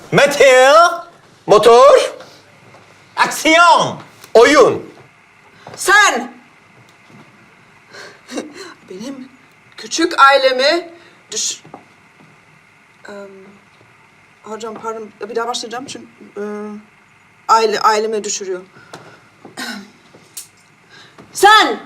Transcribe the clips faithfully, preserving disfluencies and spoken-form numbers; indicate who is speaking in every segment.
Speaker 1: Meteo.
Speaker 2: Motor.
Speaker 1: Aksiyon.
Speaker 2: Oyun.
Speaker 3: Sen! Benim küçük ailemi düş... Eee, hocam pardon, bir daha başlayacağım çünkü... eee, aile, ailemi düşürüyor. Sen!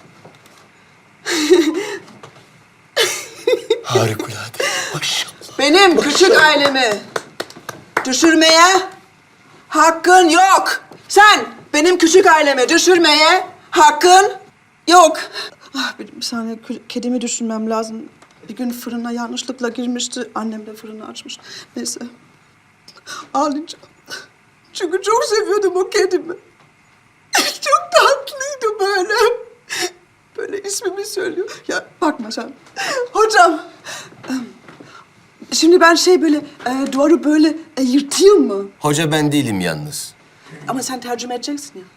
Speaker 2: Harikulade. Maşallah.
Speaker 3: Benim küçük ailemi düşürmeye hakkın yok. Sen benim küçük ailemi düşürmeye hakkın yok. Ah, bir, bir saniye, kü- kedimi düşünmem lazım. Bir gün fırına yanlışlıkla girmişti. Annem de fırını açmış. Neyse. Ağlayacağım. Çünkü çok seviyordum o kedimi. Çok tatlıydı böyle. Böyle ismimi söylüyor. Ya bakma sen. Hocam. Şimdi ben şey böyle e, duvarı böyle e, yırtayım mı?
Speaker 2: Hoca ben değilim yalnız.
Speaker 3: Ama sen tercüme edeceksin ya.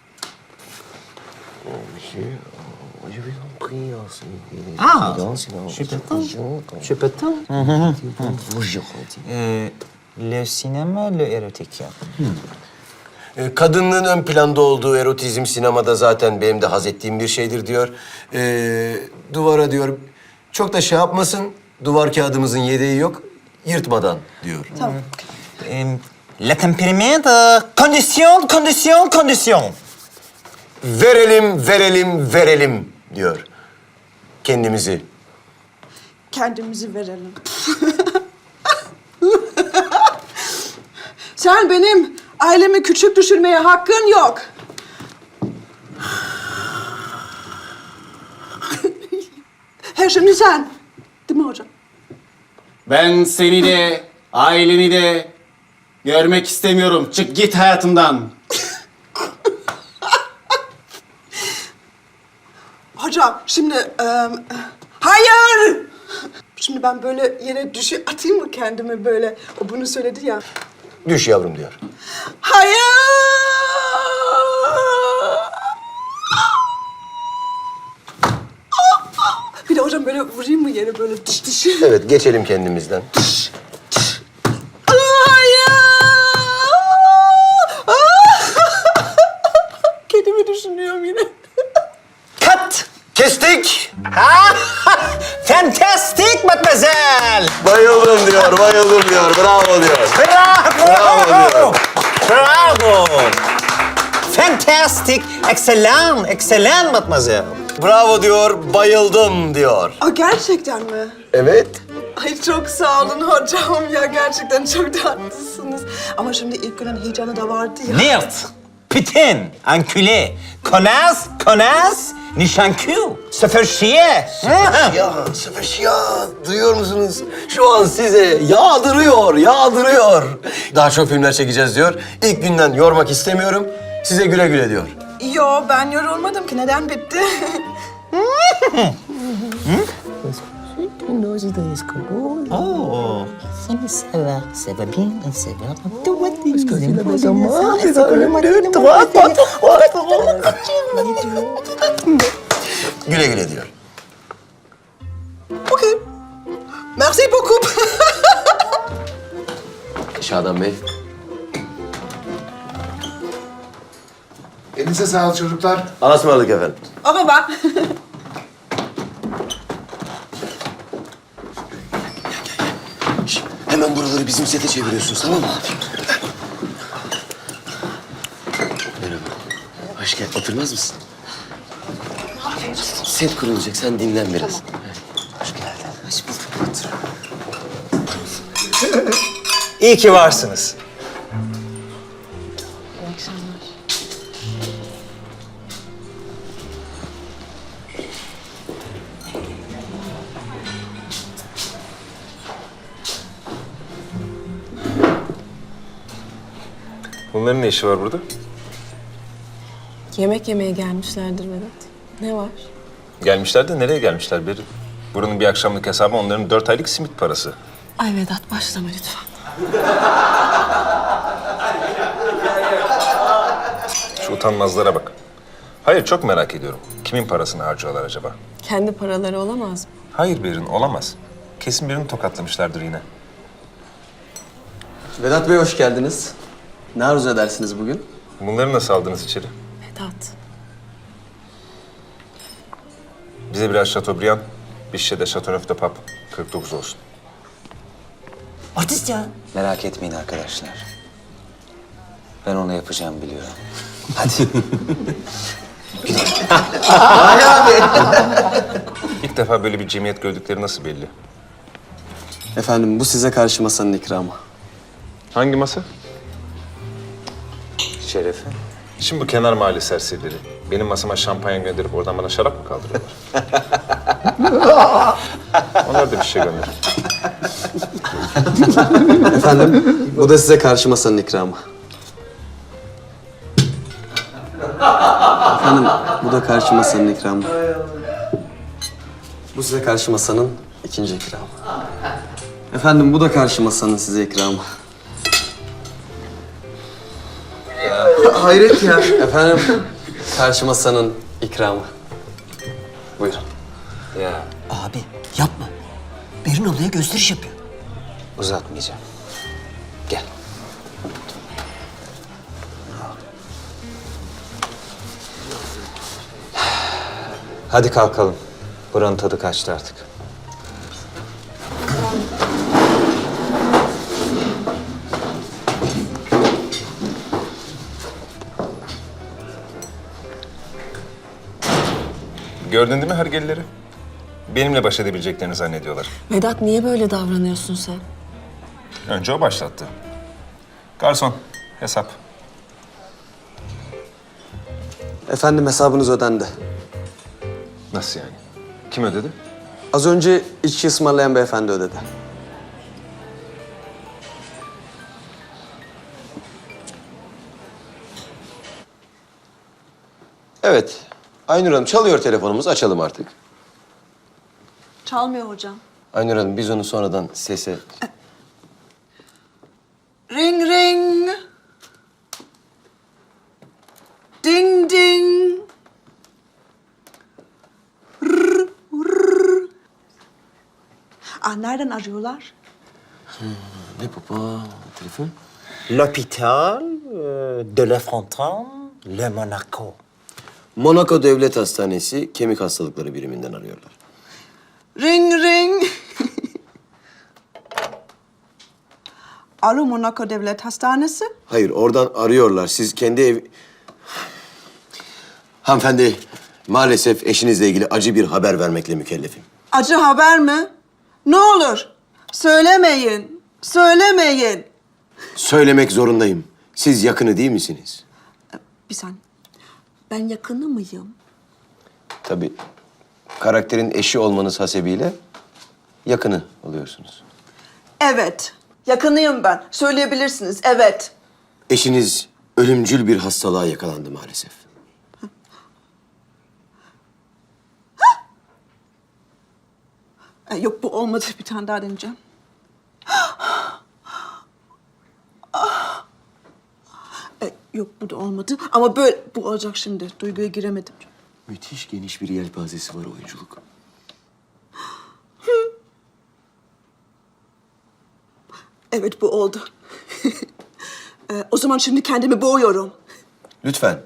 Speaker 1: Ah, je peux pas. Je peux pas. Euh, le cinéma, le érotique.
Speaker 2: Ee, Kadınlığın ön planda olduğu erotizm sinemada zaten benim de haz ettiğim bir şeydir diyor. Ee, duvara diyor, çok da şey yapmasın, duvar kağıdımızın yedeği yok, yırtmadan diyor.
Speaker 3: Tamam.
Speaker 1: Euh, la tempéramento, condition, condition, condition.
Speaker 2: Verelim, verelim, verelim diyor. Kendimizi.
Speaker 3: Kendimizi verelim. Sen benim ailemi küçük düşürmeye hakkın yok. Her şimdi sen. Değil mi hocam?
Speaker 4: Ben seni de, aileni de görmek istemiyorum. Çık git hayatımdan.
Speaker 3: Hocam şimdi... e, hayır! Şimdi ben böyle yere düşü atayım mı kendimi böyle? O bunu söyledi ya.
Speaker 2: Düş yavrum diyor.
Speaker 3: Hayır! Bir de hocam böyle vurayım mı yere böyle diş diş?
Speaker 2: Evet, geçelim kendimizden.
Speaker 3: Hayır! Kedimi düşünüyorum yine.
Speaker 1: Cut.
Speaker 2: Kestik.
Speaker 1: Fantastique, mademoiselle.
Speaker 2: Bayıldım diyor, bayıldım diyor. Bravo diyor.
Speaker 1: Bravo.
Speaker 2: Bravo diyor.
Speaker 1: Bravo. Fantastique, excellent, excellent, mademoiselle.
Speaker 2: Bravo diyor, bayıldım diyor.
Speaker 3: Aa, gerçekten mi?
Speaker 2: Evet.
Speaker 3: Ay çok sağ olun hocam ya, gerçekten çok tatlısınız. Ama şimdi ilk günün heyecanı da vardı ya.
Speaker 1: Nirt, putain, enculé, connasse, connasse, nişankü, se faire chier.
Speaker 2: Ya, Sefer ya, duyuyor musunuz? Şu an size yağdırıyor, yağdırıyor. Daha çok filmler çekeceğiz diyor. İlk günden yormak istemiyorum. Size güle güle diyor.
Speaker 3: Yo, ben yorulmadım ki. Neden bitti?
Speaker 1: Oh.
Speaker 5: Ça va, ça va bien, ça va. Toi, t'es
Speaker 2: Güle güle diyor.
Speaker 3: Okey. Merci beaucoup.
Speaker 2: Şadan Bey.
Speaker 6: Elinize sağlık çocuklar.
Speaker 2: Allah'a ısmarladık efendim.
Speaker 3: Au revoir.
Speaker 2: Şş, hemen buraları bizim sete çeviriyorsunuz, tamam mı? Merhaba. Hoş geldin. Oturmaz mısın? Set kurulacak, sen dinlen biraz. Hoş geldin. Hoş bulduk. Otur.
Speaker 1: İyi ki varsınız.
Speaker 7: Bunların ne işi var burada?
Speaker 8: Yemek yemeye gelmişlerdir Vedat. Ne var?
Speaker 7: Gelmişler de nereye gelmişler Berin? Buranın bir akşamlık hesabı onların dört aylık simit parası.
Speaker 8: Ay Vedat başlama lütfen.
Speaker 7: Şu utanmazlara bak. Hayır, çok merak ediyorum. Kimin parasını harcıyorlar acaba?
Speaker 8: Kendi paraları olamaz mı?
Speaker 7: Hayır Berin, olamaz. Kesin birini tokatlamışlardır yine.
Speaker 6: Vedat Bey hoş geldiniz. Ne arzu edersiniz bugün?
Speaker 7: Bunları nasıl aldınız içeri?
Speaker 8: Vedat.
Speaker 7: Bize biraz Chateaubriand, bir şişe de Chateauneuf de Pape. kırk dokuz olsun.
Speaker 5: Artist ya.
Speaker 1: Merak etmeyin arkadaşlar. Ben onu yapacağım biliyorum. Hadi.
Speaker 7: İlk defa böyle bir cemiyet gördükleri nasıl belli?
Speaker 6: Efendim bu size karşı masanın ikramı.
Speaker 7: Hangi masa?
Speaker 1: Şerefe.
Speaker 7: Şimdi bu kenar mahalle serserileri. Benim masama şampanya gönderip oradan bana şarap mı kaldırıyorlar? Onlar da bir şey gönderir.
Speaker 6: Efendim bu da size karşı masanın ikramı. Efendim bu da karşı masanın ikramı. Bu size karşı masanın ikinci ikramı. Efendim bu da karşı masanın size ikramı.
Speaker 1: Hayret ya.
Speaker 6: Efendim karşı masanın ikramı. Buyurun.
Speaker 1: Ya
Speaker 5: Abi yapma. Berin ablaya gösteriş yapıyor.
Speaker 1: uzatmayacağım. Gel. Hadi kalkalım. Buranın tadı kaçtı artık.
Speaker 7: Gördün değil mi hergelileri? Benimle baş edebileceklerini zannediyorlar.
Speaker 8: Vedat niye böyle davranıyorsun sen?
Speaker 7: Önce o başlattı. Garson, hesap.
Speaker 6: Efendim hesabınız ödendi.
Speaker 7: Nasıl yani? Kim ödedi?
Speaker 6: Az önce içki ısmarlayan beyefendi ödedi.
Speaker 2: Evet. Aynur Hanım çalıyor telefonumuz. Açalım artık.
Speaker 3: Çalmıyor hocam.
Speaker 2: Aynur Hanım biz onu sonradan sese...
Speaker 3: Ring ring. Ding ding. Rrr, rrr. Ah nereden arıyorlar?
Speaker 2: Ne baba? Telefon?
Speaker 5: L'hôpital euh, de La Fontaine, Le Monaco.
Speaker 2: Monaco Devlet Hastanesi Kemik Hastalıkları Biriminden arıyorlar.
Speaker 3: Ring ring. Alo Monaco Devlet Hastanesi.
Speaker 2: Hayır, oradan arıyorlar. Siz kendi ev... Hanımefendi, maalesef eşinizle ilgili acı bir haber vermekle mükellefim.
Speaker 3: Acı haber mi? Ne olur söylemeyin. Söylemeyin.
Speaker 2: Söylemek zorundayım. Siz yakını değil misiniz?
Speaker 3: Bir saniye. Ben yakını mıyım?
Speaker 2: Tabii. Karakterin eşi olmanız hasebiyle yakını oluyorsunuz.
Speaker 3: Evet. Yakınıyım ben. Söyleyebilirsiniz. Evet.
Speaker 2: Eşiniz ölümcül bir hastalığa yakalandı maalesef.
Speaker 3: E, yok bu olmadı. Bir tane daha deneyeceğim. E, yok bu da olmadı. Ama böyle bu olacak şimdi. Duyguya giremedim.
Speaker 2: Müthiş geniş bir yelpazesi var oyunculuk.
Speaker 3: Evet bu oldu. e, o zaman şimdi kendimi boğuyorum.
Speaker 2: Lütfen.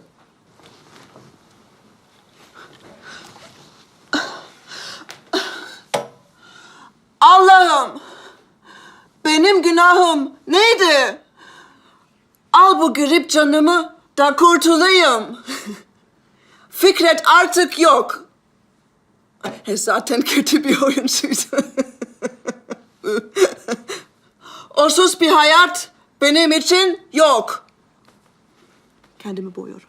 Speaker 3: Allah'ım! Benim günahım neydi? Al bu grip canımı da kurtulayım. Fikret artık yok. E, zaten kötü bir oyuncuydu. Onsuz bir hayat benim için yok. Kendimi boğuyorum.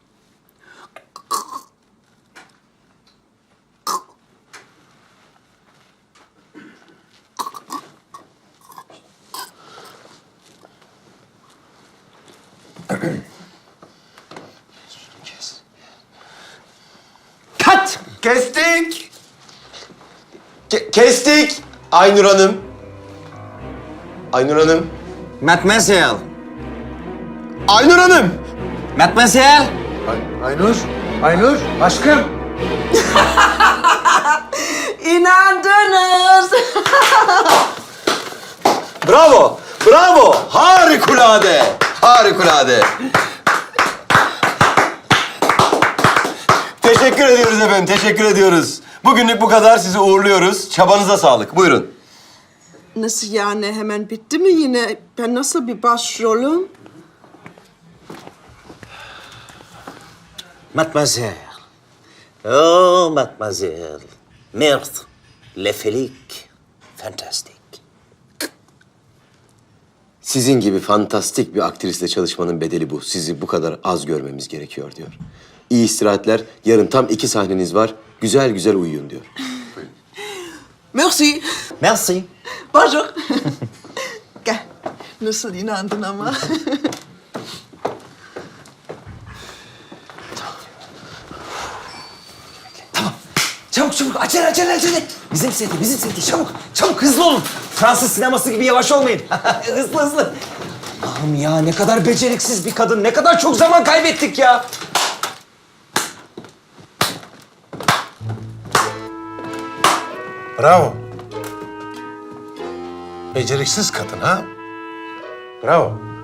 Speaker 2: Kat! Kestik! Ke- kestik! Aynur Hanım. Aynur Hanım.
Speaker 1: Mademoiselle.
Speaker 2: Aynur Hanım!
Speaker 1: Mademoiselle.
Speaker 9: Aynur, Aynur, aşkım.
Speaker 3: İnandınız.
Speaker 2: Bravo! Bravo! Harikulade! Harikulade! Teşekkür ediyoruz efendim, teşekkür ediyoruz. Bugünlük bu kadar, sizi uğurluyoruz. Çabanıza sağlık, buyurun.
Speaker 3: Nasıl yani, hemen bitti mi yine? Ben nasıl bir başrolüm?
Speaker 5: Mademoiselle. Oh, mademoiselle. Merde. Le Felic. Fantastik.
Speaker 2: Sizin gibi fantastik bir aktrisle çalışmanın bedeli bu. Sizi bu kadar az görmemiz gerekiyor diyor. İyi istirahatler, yarın tam iki sahneniz var. Güzel güzel uyuyun diyor.
Speaker 3: Merci.
Speaker 5: Merci.
Speaker 3: Bonjour. Gel. Nasıl inandın ama?
Speaker 1: Çabuk çabuk acele acele acele. Bizim seti bizim seti çabuk çabuk hızlı olun. Fransız sineması gibi yavaş olmayın. hızlı hızlı. Allah'ım ya ne kadar beceriksiz bir kadın. Ne kadar çok zaman kaybettik ya.
Speaker 7: Bravo. Beceriksiz kadın ha? Bravo.